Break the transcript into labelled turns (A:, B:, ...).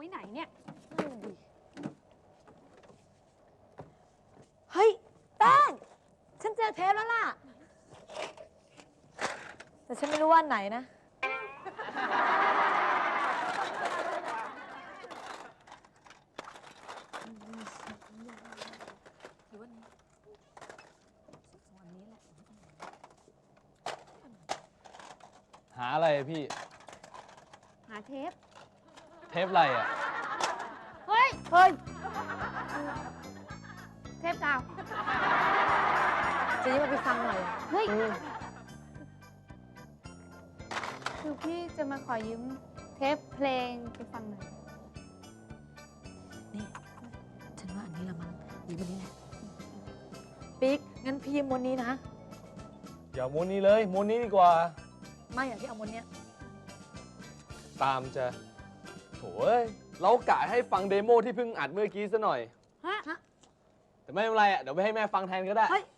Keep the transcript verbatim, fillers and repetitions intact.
A: ว้ไหนเนี่ย
B: เฮ้ยแป้งฉันเจอเทปแล้วล่ะแต่ฉันไม่รู้ว่าไหนนะ
C: หาอะไรพี่
A: หาเทป
C: เทปอะไรอ่ะ
A: เฮ้ย
B: เฮ้ย
A: เทปกาว
B: จะยิ้มมาไปฟังหน่อย
A: เฮ้ยคือพี่จะมาขอยืมเทปเพลงไปฟังหน่อย
B: นี่ฉันว่าอันนี้ละมั้งยิ้มอันนี้แหละปิ๊กงั้นพี่ยิ้มม้วนนี้นะ
C: อย่าม้วนนี้เลยม้วนนี้ดีกว่า
B: ไม่อยากที่เอาม้วนเนี้ย
C: ตามจะโถ่เอ้ยเรากะให้ฟังเดโมที่เพิ่งอัดเมื่อกี้ซะหน่อย
A: ฮะ
C: แต่ไม่เป็นไรอ่ะ เดี๋ยวไปให้แม่ฟังแทนก็ได้
B: เฮ้ย